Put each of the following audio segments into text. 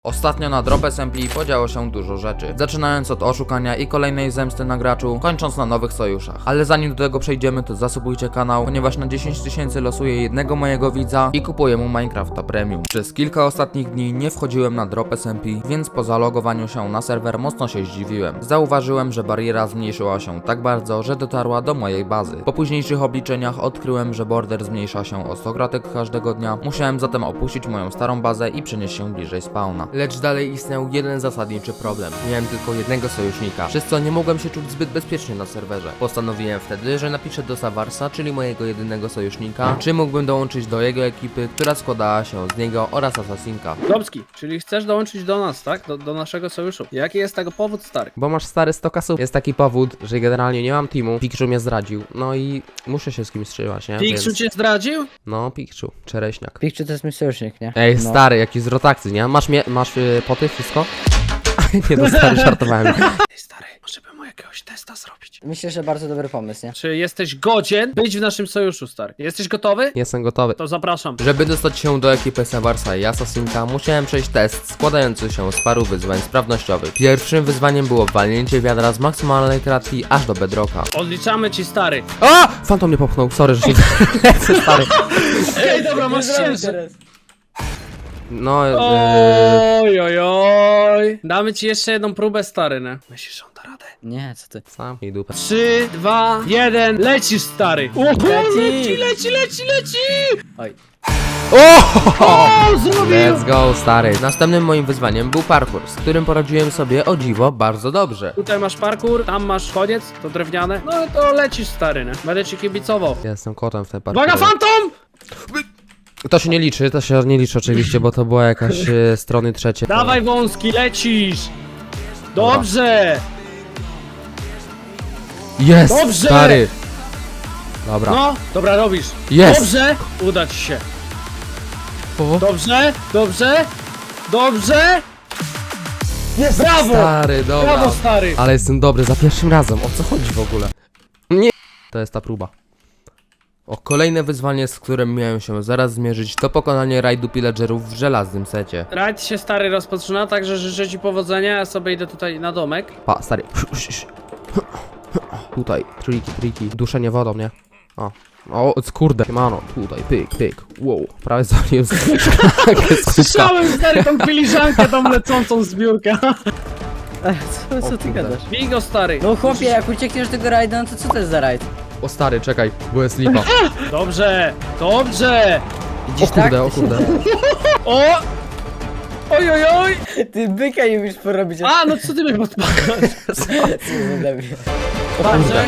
Ostatnio na Drop SMP podziało się dużo rzeczy, zaczynając od oszukania i kolejnej zemsty na graczu, kończąc na nowych sojuszach. Ale zanim do tego przejdziemy, to zasubujcie kanał, ponieważ na 10 000 losuję jednego mojego widza i kupuję mu Minecrafta Premium. Przez kilka ostatnich dni nie wchodziłem na Drop SMP, więc po zalogowaniu się na serwer mocno się zdziwiłem. Zauważyłem, że bariera zmniejszyła się tak bardzo, że dotarła do mojej bazy. Po późniejszych obliczeniach odkryłem, że border zmniejsza się o 100 kratek każdego dnia, musiałem zatem opuścić moją starą bazę i przenieść się bliżej spawna. Lecz dalej istniał jeden zasadniczy problem. Miałem tylko jednego sojusznika, przez co nie mogłem się czuć zbyt bezpiecznie na serwerze. Postanowiłem wtedy, że napiszę do Savarsa, czyli mojego jedynego sojusznika, czy mógłbym dołączyć do jego ekipy, która składała się z niego oraz Assassinka. Domski, czyli chcesz dołączyć do nas, tak? Do naszego sojuszu. Jaki jest tego powód, stary? Bo masz stary 100 kasów. Jest taki powód, że generalnie nie mam teamu. Pikczu mnie zdradził. No i muszę się z kimś trzymać, nie? Pikczu cię zdradził? No, Pikczu, czereśniak. Pikczu to jest mój sojusznik, nie? Ej, No. stary, jakiś z rotakcji, nie? Masz poty, wszystko? Nie, no stary, żartowałem. Ej, stary, może bym mu jakiegoś testa zrobić. Myślę, że bardzo dobry pomysł, nie? Czy jesteś godzien być w naszym sojuszu, stary? Jesteś gotowy? Jestem gotowy. To zapraszam. Żeby dostać się do ekipy Savarsa i Assassinka, musiałem przejść test składający się z paru wyzwań sprawnościowych. Pierwszym wyzwaniem było walnięcie wiadra z maksymalnej kratki aż do bedrocka. Odliczamy ci, stary. A! Fantom mnie popchnął, sorry, że się lecę, stary. Ej, dobra, masz ciężar. No, Oj. Damy ci jeszcze jedną próbę, stary, nie? Myślisz, że on da radę? Nie, co ty? zamknij dupę. 3, 2, 1, lecisz, stary. Leci. Oj. O, zrobił! Let's go, stary. Następnym moim wyzwaniem był parkour, z którym poradziłem sobie o dziwo bardzo dobrze. Tutaj masz parkour, tam masz koniec, to drewniane. No to lecisz, stary, nie? Będę ci kibicował. Ja jestem kotem w tej partii. Uwaga, fantom! To się nie liczy oczywiście, bo to była jakaś strony trzecie. Dawaj wąski, lecisz! Dobrze! Jest, Dobrze! stary. Dobra. No, dobra, robisz. Jest! Dobrze! Uda ci się. O. Dobrze! Jest! Brawo! Stary, dobra. Brawo, stary! Ale jestem dobry za pierwszym razem. O co chodzi w ogóle? Nie. To jest ta próba. Kolejne wyzwanie, z którym miałem się zaraz zmierzyć, to pokonanie rajdu pillagerów w żelaznym secie. Rajd się, stary, rozpoczyna, także życzę ci powodzenia, ja sobie idę tutaj na domek. Pa, stary. Tutaj, triki. Duszenie wodą, nie? O, kurde, mano, tutaj, pyk, wow, prawie zabiłem szklankę z kubka. Słyszałem, stary, tą filiżankę, tą lecącą zbiórkę. Co ty gadasz? Bigo, stary. No chłopie, jak uciekniesz do tego rajda, no to co to jest za rajd? O stary, czekaj, bo jest lipa. Dobrze! Widzisz O kurde, tak? o kurde. O! Oj! Ty byka nie umiesz porobić. A, no co ty mnie podpakasz? Co za debil. Dobrze.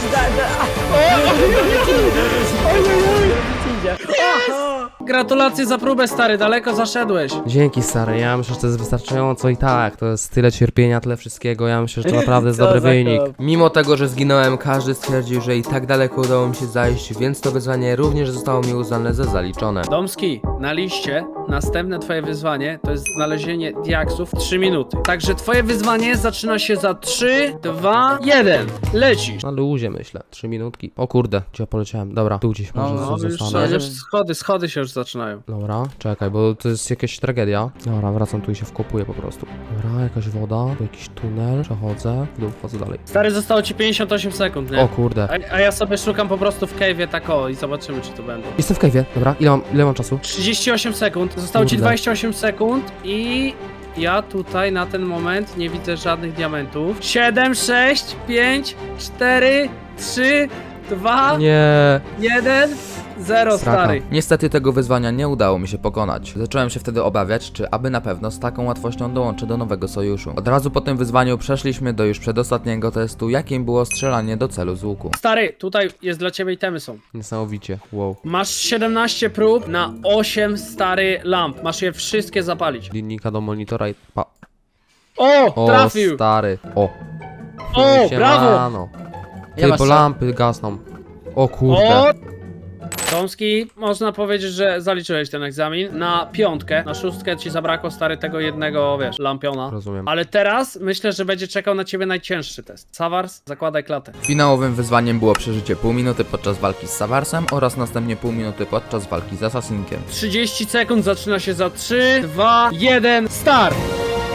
Gratulacje za próbę, stary, daleko zaszedłeś. Dzięki, stary, ja myślę, że to jest wystarczająco i tak, to jest tyle cierpienia, tyle wszystkiego, ja myślę, że to naprawdę jest Co dobry za wynik. kop. Mimo tego, że zginąłem, każdy stwierdził, że i tak daleko udało mi się zajść, więc to wyzwanie również zostało mi uznane za zaliczone. Domski, na liście następne twoje wyzwanie to jest znalezienie diaksów w 3 minuty. Także twoje wyzwanie zaczyna się za 3, 2, 1. Lecisz. Na luzie myślę, 3 minutki. O kurde, gdzie ja poleciałem? Dobra, tu gdzieś może No, już, zostanę. już schody się już zaczynają. Dobra, czekaj, bo to jest jakaś tragedia. Dobra, wracam tu i się wkopuję po prostu. Dobra, jakaś woda, tu jakiś tunel, przechodzę, w dół, wchodzę dalej. Stary, zostało ci 58 sekund, nie? O kurde. A ja sobie szukam po prostu w cave'ie tak o i zobaczymy, czy to będą. Jestem w cave'ie, dobra, ile mam czasu? 38 sekund, zostało ci Kurde. 28 sekund i ja tutaj na ten moment nie widzę żadnych diamentów. 7, 6, 5, 4, 3, 2, Nie. 1, 0, Straka. stary. Niestety tego wyzwania nie udało mi się pokonać. Zacząłem się wtedy obawiać, czy aby na pewno z taką łatwością dołączę do nowego sojuszu. Od razu po tym wyzwaniu przeszliśmy do już przedostatniego testu, jakim było strzelanie do celu z łuku. Stary, tutaj jest dla ciebie itemy są. Niesamowicie, wow. Masz 17 prób na 8 stary lamp. Masz je wszystkie zapalić. Linijka do monitora i pa. O, O, trafił! stary. O. O, brawo! Siemano. Ja Ty, masz bo co? lampy gasną. O kurde. O! Tomski, można powiedzieć, że zaliczyłeś ten egzamin na 5. Na 6 ci zabrakło, stary, tego jednego, wiesz, lampiona. Rozumiem. Ale teraz myślę, że będzie czekał na ciebie najcięższy test. Savars, zakładaj klatę. Finałowym wyzwaniem było przeżycie pół minuty podczas walki z Savarsem oraz następnie pół minuty podczas walki z Assassinkiem. 30 sekund, zaczyna się za 3, 2, 1, start!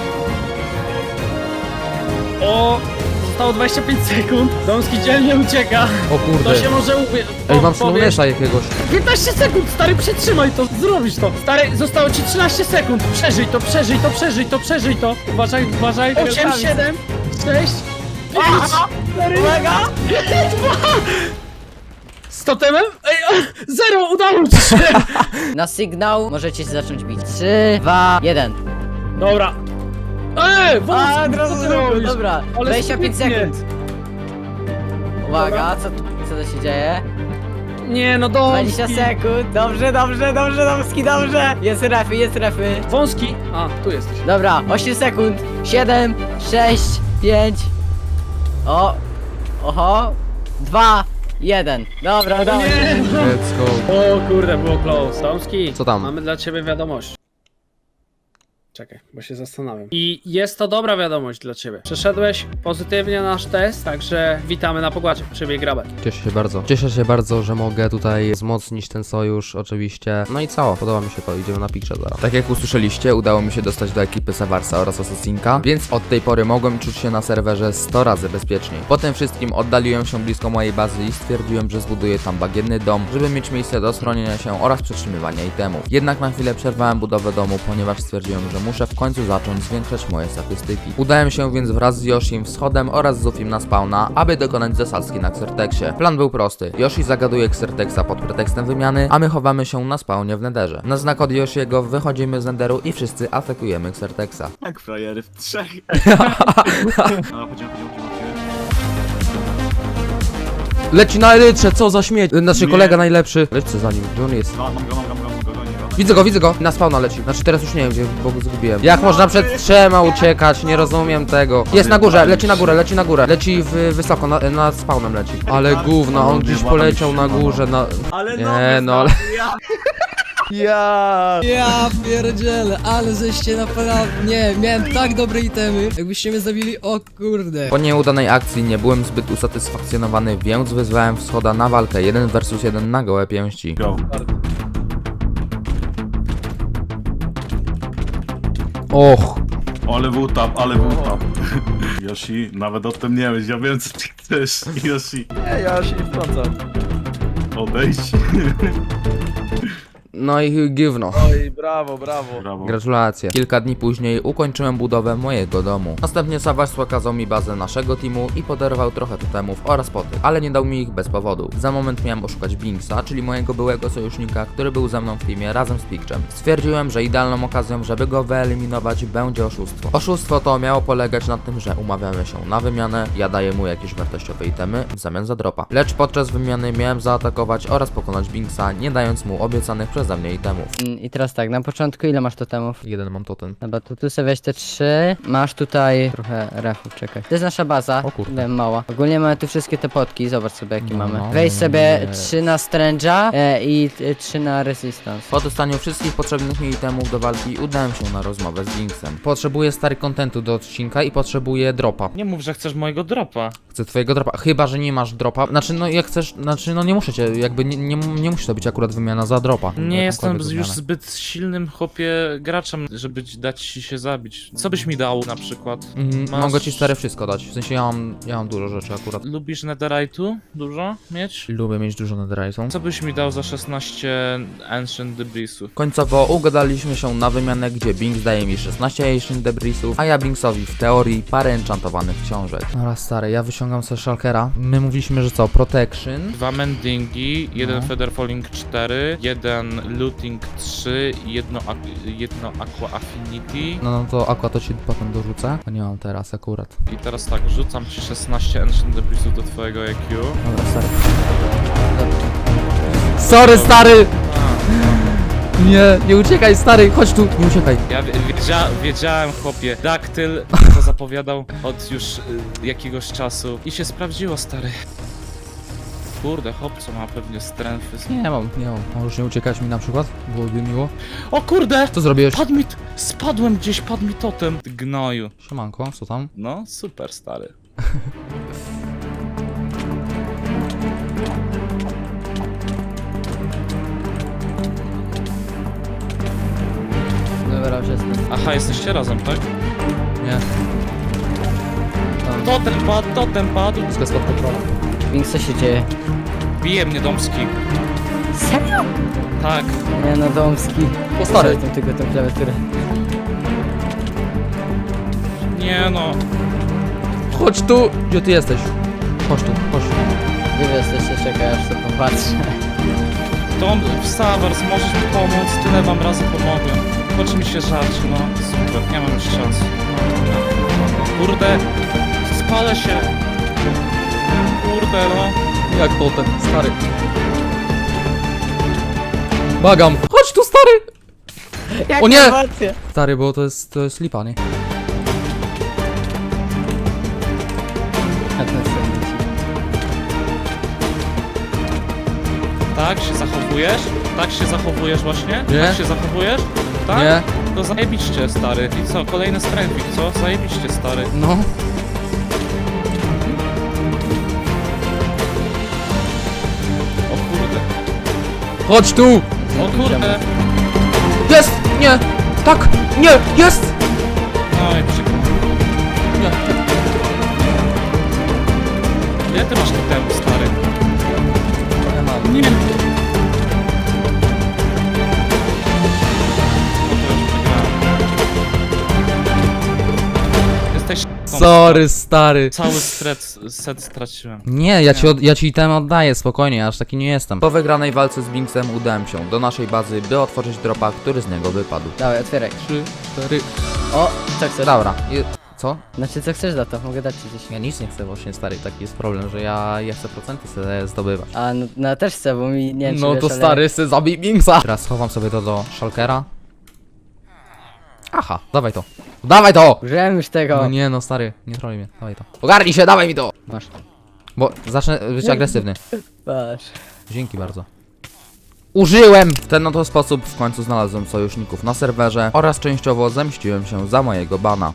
O! Zostało 25 sekund. Domski dzielnie ucieka. O kurde. To się może Ej, mam slownesza jakiegoś. 15 sekund, stary, przetrzymaj to, zrobisz to. Stary, zostało ci 13 sekund. Przeżyj to, przeżyj to, przeżyj to, przeżyj to. Uważaj, uważaj. 8, 7, 6, 5, 4, uwaga! 2! Z totemem? Ej, 0, udało ci się! Na sygnał możecie się zacząć bić. 3, 2, 1. Dobra. A, od razu co ty zrobił, robisz? dobra. Ale 25 sprytnie. sekund. Uwaga, co to się dzieje? Nie, no 20 Domski. sekund. Dobrze, dobrze, dobrze, Domski, dobrze. Jest refy, jest refy. Wąski. A, tu jesteś. Dobra, 8 sekund. 7, 6, 5. O, oho. 2, 1. Dobra, udało się. Nie, no. Let's go. O kurde, było close. Tomski, Co tam? mamy dla ciebie wiadomość. Czekaj, bo się zastanawiam. I jest to dobra wiadomość dla ciebie. Przeszedłeś pozytywnie nasz test, także witamy na pokładzie. Przybij grabę. Cieszę się bardzo. Cieszę się bardzo, że mogę tutaj wzmocnić ten sojusz, oczywiście. No i co? Podoba mi się to. Idziemy na pikrze zaraz. Tak jak usłyszeliście, udało mi się dostać do ekipy Savarsa oraz Assassinka, więc od tej pory mogłem czuć się na serwerze 100 razy bezpieczniej. Po tym wszystkim oddaliłem się blisko mojej bazy i stwierdziłem, że zbuduję tam bagienny dom, żeby mieć miejsce do schronienia się oraz przetrzymywania itemów. Jednak na chwilę przerwałem budowę domu, ponieważ stwierdziłem, że muszę w końcu zacząć zwiększać moje statystyki. Udałem się więc wraz z Yoshim, Wschodem oraz Zufim na spawna, aby dokonać zasadzki na Xerteksie. Plan był prosty. Yoshi zagaduje Xerteksa pod pretekstem wymiany, a my chowamy się na spawnie w Netherze. Na znak od Yoshiego wychodzimy z Netheru i wszyscy atakujemy Xerteksa. Jak frajery w trzech. A, chodzimy. Leci na elytrze, co za śmieć. Znaczy kolega najlepszy. Lecę za nim, gdzie on jest? No, mam go. Widzę go. Na spawna leci. Znaczy teraz już nie wiem, gdzie, bo go zgubiłem. Jak można przed trzema uciekać? Nie rozumiem tego. Jest na górze, leci na górę. Leci wysoko, nad spawnem leci. Ale gówno, on gdzieś poleciał na górze, na... Ale Nie, no ale... Ja. Ja pierdzielę, ale żeście naprawdę... Nie, miałem tak dobre itemy. Jakbyście mnie zabili, o kurde. Po nieudanej akcji nie byłem zbyt usatysfakcjonowany, więc wyzwałem Wschoda na walkę 1 vs 1 na gołe pięści. Go. Och. Ale wutap. Yoshi, nawet o tym nie myśl, ja wiem co ty chcesz. Yoshi. Nie, ja się nie wtrącam. Odejdź. No i gówno. Oj, brawo. Brawo. Gratulacje. Kilka dni później ukończyłem budowę mojego domu. Następnie Savars pokazał mi bazę naszego teamu i podarował trochę totemów oraz poty, ale nie dał mi ich bez powodu. Za moment miałem oszukać Binksa, czyli mojego byłego sojusznika, który był ze mną w teamie razem z Pikczem. Stwierdziłem, że idealną okazją, żeby go wyeliminować, będzie oszustwo. Oszustwo to miało polegać na tym, że umawiamy się na wymianę, ja daję mu jakieś wartościowe itemy w zamian za dropa. Lecz podczas wymiany miałem zaatakować oraz pokonać Binksa, nie dając mu obiecanych przeze mnie itemów. I teraz tak, na początku ile masz totemów? Jeden mam totem. Dobra, to tu sobie weź te 3. Masz tutaj trochę refów, czekaj. To jest nasza baza. O kurde. Ile mała. Ogólnie mamy tu wszystkie te potki, zobacz sobie jakie No, mamy. no, Weź no, sobie nie. 3 na Strange'a i 3 na Resistance. Po dostaniu wszystkich potrzebnych mi itemów do walki udałem się na rozmowę z Binksem. Potrzebuję stary kontentu do odcinka i potrzebuję dropa. Nie mów, że chcesz mojego dropa. Chcę twojego dropa, chyba że nie masz dropa. Znaczy no jak chcesz, znaczy no nie muszę cię, jakby nie musi to być akurat wymiana za dropa. Nie jestem Jakąkolwiek już wymianę. zbyt silnym chłopie graczem, żeby dać ci się zabić. Co byś mi dał na przykład? Masz- Mogę ci stary wszystko dać, w sensie ja mam dużo rzeczy akurat. Lubisz netherite'u? Dużo mieć? Lubię mieć dużo netherite'u. Co byś mi dał za 16 Ancient Debrisów? Końcowo ugadaliśmy się na wymianę, gdzie Binks daje mi 16 Ancient Debrisów, a ja Binksowi w teorii parę enchantowanych książek. Dobra stary, ja wyciągam sobie shulkera. My mówiliśmy, że co, protection. 2 mendingi, 1 No. feather falling 4, 1 looting 3, jedno aqua affinity. No to aqua to ci potem dorzucę. A nie mam teraz akurat. I teraz tak, rzucam ci 16 Ancient Debrisów do twojego EQ. Dobra stary. Sorry stary! Nie uciekaj stary, chodź tu, nie uciekaj. Ja wiedziałem, chłopie, Daktyl to zapowiadał od już jakiegoś czasu i się sprawdziło, stary. Kurde, chłopco ma pewnie strengthy. Nie mam. Możesz nie uciekać mi na przykład? Byłoby miło. O kurde! Co zrobiłeś? Spadłem gdzieś, padł mi totem. Gnoju. Siemanko, co tam? No, super, stary. Dobra, już jestem. Aha, jesteście razem, tak? Nie. To Totem padł. Wszystko jest pod kontrolą. Więc co się dzieje? Bije mnie Domski. Serio? Tak. Nie no, Domski. O, stary. Zresztą tylko tę klawiaturę. Nie no. Chodź tu! Gdzie ty jesteś? Chodź tu, chodź. Nie wiesz, jeszcze czekaj, aż sobie popatrzę. Tom, Savers, możesz mi pomóc? Tyle wam razy pomogłem. Chodź mi się żarcie, no. Super, nie mam już czasu. No. Kurde, spalę się. Kurde, no. Jak to ten stary? Bagam! Chodź tu, stary! O nie! Stary, bo to jest lipa, nie? A ten sobie Tak się zachowujesz? Tak się zachowujesz właśnie? Nie. Tak się zachowujesz? Tak? Nie? To zajebiście, stary. I co, kolejny strength, co? Zajebiście, stary. No. O kurde. Chodź tu! O kurde. Jest! Nie! Tak! Nie! Jest! No i przykro. Nie. Ile ty masz temu, stary? Ja mam. Nie. O, to już przegrałem. Jesteś Sorry, stary. Cały set straciłem. Nie, ja ci ten oddaję, spokojnie, ja aż taki nie jestem. Po wygranej walce z Binksem udałem się do naszej bazy, by otworzyć dropa, który z niego wypadł. Dawaj, otwieraj. 3, 4... O, co chcesz? Dobra. Co? Znaczy, co chcesz za to? Mogę dać ci coś. Ja nic nie chcę właśnie, stary, taki jest problem, że ja chcę procenty sobie zdobywać. A, no też chcę, bo mi nie wiem, czy No wiesz, to ale- stary, chcę zabij Binksa! Teraz schowam sobie to do Shulkera. Aha, dawaj to. Dawaj to! Użyłem już tego. No nie no, stary, nie troluj mnie, dawaj to. Ogarnij się, dawaj mi to! Masz. Bo zacznę być agresywny. Masz. Dzięki bardzo. Użyłem! W ten oto sposób w końcu znalazłem sojuszników na serwerze oraz częściowo zemściłem się za mojego bana.